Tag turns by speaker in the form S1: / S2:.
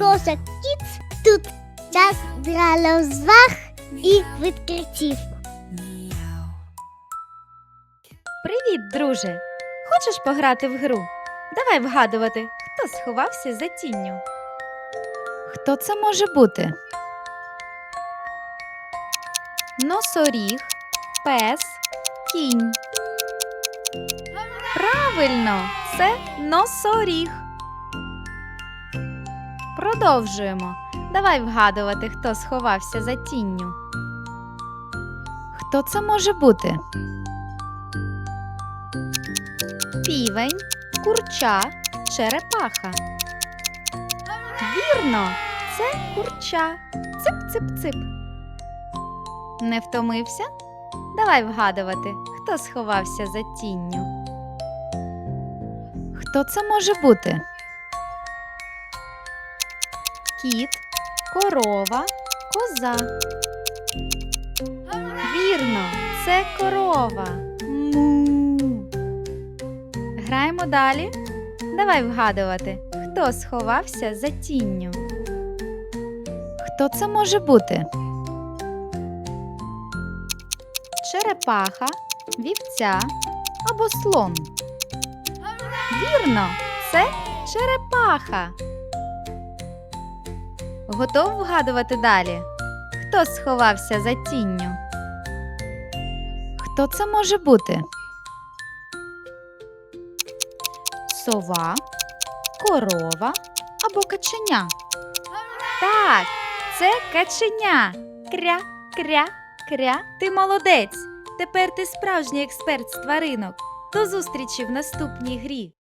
S1: Кошик Кіц. Тут час для розваг і відкриттів.
S2: Привіт, друже! Хочеш пограти в гру? Давай вгадувати, хто сховався за тінню. Хто це може бути? Носоріг, пес, кінь. Правильно, це носоріг. Продовжуємо. Давай вгадувати, хто сховався за тінню. Хто це може бути? Півень, курча, черепаха. Вірно, це курча. Цип-цип-цип. Не втомився? Давай вгадувати, хто сховався за тінню. Хто це може бути? Кіт, корова, коза. Вірно, це корова. Му. Граємо далі. Давай вгадувати, хто сховався за тінню. Хто це може бути? Черепаха, вівця або слон. Вірно, це черепаха. Готов вгадувати далі? Хто сховався за тінню? Хто це може бути? Сова, корова або каченя? Так, це каченя. Кря, кря, кря. Ти молодець. Тепер ти справжній експерт з тваринок. До зустрічі в наступній грі.